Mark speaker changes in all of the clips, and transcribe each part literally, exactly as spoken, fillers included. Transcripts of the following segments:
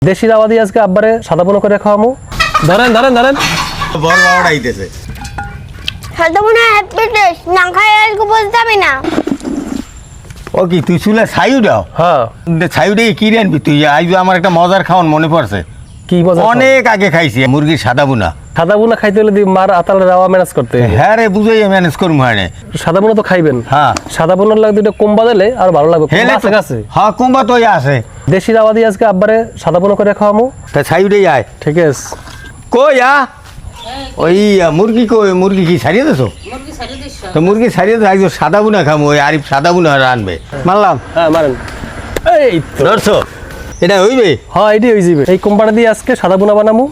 Speaker 1: দেশি রাওয়া দিয়ে আজকে আব্বারে সাদা পোনা করে খাওয়ামু। ধরেন ধরেন ধরেন
Speaker 2: বড় বাবাটা আইতেছে।
Speaker 3: সাদা পোনা হ্যাপি টেস্ট না খাই আজকে বলতে হবে না।
Speaker 2: ও কি তুই চুলা ছাইও দাও?
Speaker 1: হ্যাঁ।
Speaker 2: ছাইও দিয়ে কি রানবি তুই? আজ আমার একটা মজার খাওয়ান মনে পড়ছে।
Speaker 1: কি মজা?
Speaker 2: অনেক আগে খাইছি মুরগির সাদা বুনা।
Speaker 1: সাদা পোনা খাইতে হলে দি মার আতালে রাওয়া ম্যানেজ করতে হবে।
Speaker 2: হ্যাঁ রে বুঝাই ম্যানেজ করুম হানে।
Speaker 1: সাদা পোনা তো খাইবেন।
Speaker 2: হ্যাঁ
Speaker 1: সাদা পোনার লাগে দুটো কোম্বা দিলে আর ভালো লাগবে।
Speaker 2: হেলে
Speaker 1: আছে কাছে
Speaker 2: হ্যাঁ কুম্বা তো আছে।
Speaker 1: দেশি রাওয়া দিয়ে আজকে আব্বারে সাদা পোনা করে খাওয়ামু।
Speaker 2: তা ছাইও দিয়ে আয়।
Speaker 1: ঠিক আছে।
Speaker 2: কই আ ওই মুরগি কই মুরগি কি ছাড়িয়ে দেছো? তো মুরগি ছাড়িয়ে তো একজন সাদা বুনা খামো। ওই আরিফ সাদা বুনা রানবে মানলাম।
Speaker 1: হ্যাঁ মারেন। এই তো
Speaker 2: ধরছো এটা হইবে?
Speaker 1: হ্যাঁ এটি হয়ে যাবে। এই কোম্পানি দিয়ে আজকে সাদা পোনা বানামু।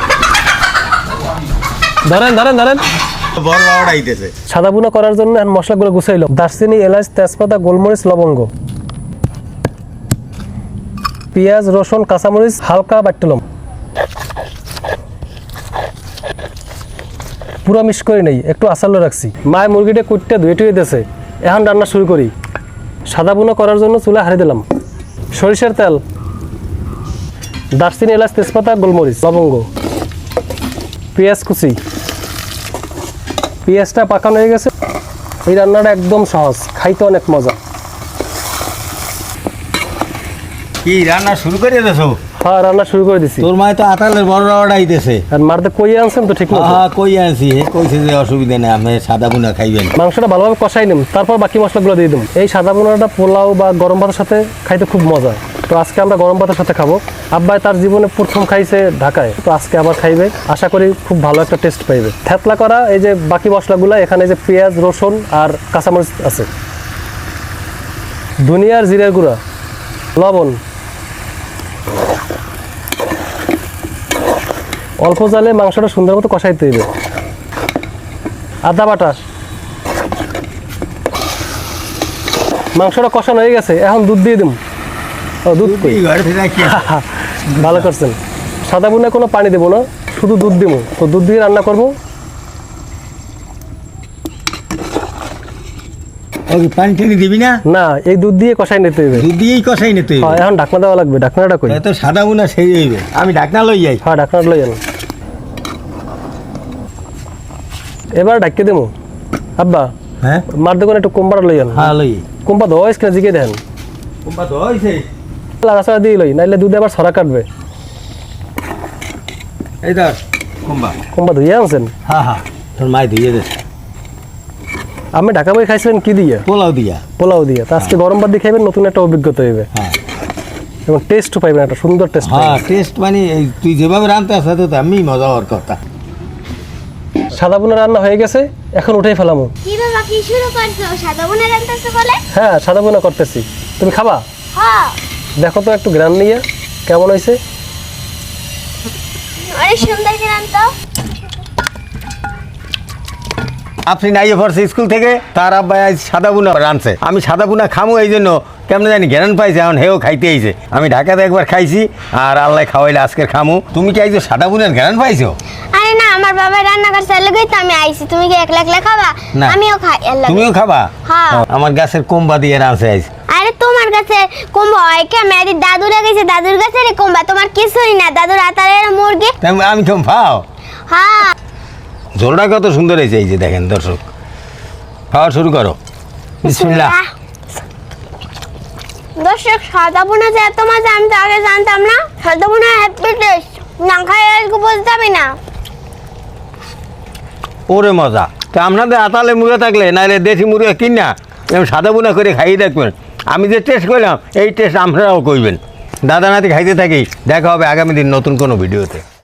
Speaker 1: ধরেন ধরেন ধরেন
Speaker 2: বড় বাবাটা আইতেছে।
Speaker 1: সাদা পোনা করার জন্য এখন মশলাগুলো গুছাইলাম। দারচিনি, এলাচ, তেজপাতা, গোলমরিচ, লবঙ্গ, পেঁয়াজ, রসুন, কাঁচামরিচ হালকা বাটলাম। পুরো মিক্স করে নেই, একটু আসালো রাখছি। মায় মুরগিটা কুটতে ধুয়ে টুয়ে দিয়েছে। এখন রান্না শুরু করি। সাদা পোনা করার জন্য চুলা হারিয়ে দিলাম। সরিষার তেল, দারচিনি, এলাচ, তেজপাতা, গোলমরিচ, লবঙ্গ, পেঁয়াজ কুচি। পেঁয়াজটা পাকানো হয়ে গেছে। এই রান্নাটা একদম সহজ, খাইতে অনেক মজা।
Speaker 2: কি রান্না শুরু করে দেছো?
Speaker 1: হ্যাঁ রান্না শুরু করে দিছি।
Speaker 2: তোর মায় তো আতালের বড় বাবাটা আইতেছে।
Speaker 1: আর মারতে কই আনছেন তো ঠিক মতো?
Speaker 2: হ্যাঁ কই আনছি। হে কইছে যে অসুবিধা নেই, আমি সাদা বুনা খাইবেন।
Speaker 1: মাংসটা ভালোভাবে কষাই নিম, তারপর বাকি মশলাগুলো দিয়ে দিম। এই সাদা পোনাটা পোলাও বা গরম ভাতের সাথে খাইতে খুব মজা। তো আজকে আমরা গরম ভাতের সাথে খাবো। আব্বাই তার জীবনে প্রথম খাইছে ঢাকায়, তো আজকে আবার খাইবে। আশা করি খুব ভালো একটা টেস্ট পাইবে। থেতলা করা এই যে বাকি মশলাগুলো, এখানে যে পেঁয়াজ, রসুন আর কাঁচামরিচ আছে, ধনিয়ার জিরার গুঁড়া, লবণ, অল্প জালে মাংসটা সুন্দর মতো কষাইতে হবে। আদা বাটা। মাংসটা কষানো হয়ে গেছে, এখন দুধ দিয়ে দিম। ও দুধ কই? ভালো করছেন। সাদা বুনে কোনো পানি দেবো না, শুধু দুধ দিব। তো দুধ দিয়ে রান্না করবো।
Speaker 2: পানি টানি দিবি না?
Speaker 1: না, এই দুধ দিয়ে কষাই নিতে হবে।
Speaker 2: দুধ দিয়েই কষাই নিতে
Speaker 1: হ্যাঁ
Speaker 2: হবে।
Speaker 1: এখন ঢাকনা দেওয়া লাগবে। ঢাকনাটা কই?
Speaker 2: তো সাদা বুনা সেই হইবে। আমি ঢাকনা লই যাই।
Speaker 1: হ্যাঁ ঢাকনাটা লই যান। এবার ঢাকিয়ে দেবো। আব্বা
Speaker 2: হ্যাঁ
Speaker 1: মার দোকানে একটু কোম্পাটা লই যান।
Speaker 2: হ্যাঁ লই।
Speaker 1: কোম্পা ধোয়া কিনা জিকে দেন।
Speaker 2: কুম্বা তো হইছে।
Speaker 1: লাড়াচাড়া দিয়ে লই, নাইলে দুধে আবার ছড়া কাটবে।
Speaker 2: এই ধর কুম্বা।
Speaker 1: কোম্পা ধুইয়া আনছেন?
Speaker 2: হ্যাঁ হ্যাঁ তোর মাই ধুইয়ে দেছে।
Speaker 1: আমি ঢাকা বই খাইছিলেন কি দিয়ে?
Speaker 2: পোলাও দিয়া।
Speaker 1: পোলাও দিয়ে। তা আজকে গরম ভাত দিয়ে খাইবেন, নতুন একটা অভিজ্ঞতা হইবে
Speaker 2: হ্যাঁ
Speaker 1: এবং টেস্টও পাইবেন, একটা সুন্দর টেস্ট
Speaker 2: হ্যাঁ
Speaker 1: পাইবেন।
Speaker 2: টেস্ট মানে এই তুই যেভাবে রাঁধতে আসা তো আমি মজা হওয়ার কথা।
Speaker 1: সাদা পোনা রান্না হয়ে গেছে, এখন উঠেই ফেলামো।
Speaker 3: কি বাবা কি শুরু করছো? সাদা পোনা রান্তাছো বলে?
Speaker 1: হ্যাঁ সাদা পোনা করতেছি। তুমি খাবা?
Speaker 3: হ্যাঁ।
Speaker 1: দেখো তো একটু গ্রান নিয়ে কেমন হয়েছে।
Speaker 3: অনেক সুন্দর করে রান্তো।
Speaker 2: আপনি নাইয়ে পড়ছে স্কুল থেকে, তার আব্বাই আজ সাদা বুনা রাঁধছে। আমি সাদা বুনা খামো এই জন্য কেমন জানি জ্ঞান পাইছে, এখন হেও খাইতে আইছে। আমি ঢাকাতে একবার খাইছি আর আল্লাহ খাওয়াইলে আজকের খামু। তুমি কি আইছো সাদা বুনার জ্ঞান পাইছো?
Speaker 3: আরে না, আমার বাবা রান্না করছে লাগেই তো আমি আইছি। তুমি কি একলা একলা খাবা?
Speaker 2: না।
Speaker 3: আমিও খাই এলা।
Speaker 2: তুমিও খাবা?
Speaker 3: হ্যাঁ।
Speaker 2: আমার গাছের কোম্বা দিয়ে রাঁধছে আইছে।
Speaker 3: আরে তোমার কাছে কুম্বা হয় কে? মেয়েদের দাদুরা গেছে, দাদুর কাছে রে কুম্বা। তোমার কিছুই না, দাদুর আতারের মুরগি।
Speaker 2: তাই আমি কেমন পাও?
Speaker 3: হ্যাঁ।
Speaker 2: ঝোলটা কত সুন্দর হয়েছে, এই যে দেখেন দর্শক। খাওয়া শুরু করো। বিসমিল্লাহ।
Speaker 3: দর্শক সাদা পোনা যে এত মজা আমি তো আগে জানতাম না। সাদা পোনা হ্যাপি টেস্ট না খাই আজকে বলতে হবে না।
Speaker 2: ওরে মজা। তা আপনাদের আতালে মুরগা থাকলে নাহলে দেশি মুরগা কিনা এরকম সাদা বুনা করে খাইয়ে দেখবেন। আমি যে টেস্ট করলাম এই টেস্ট আপনারাও করবেন। দাদা নাতি খাইতে থাকি। দেখা হবে আগামী দিন নতুন কোনো ভিডিওতে।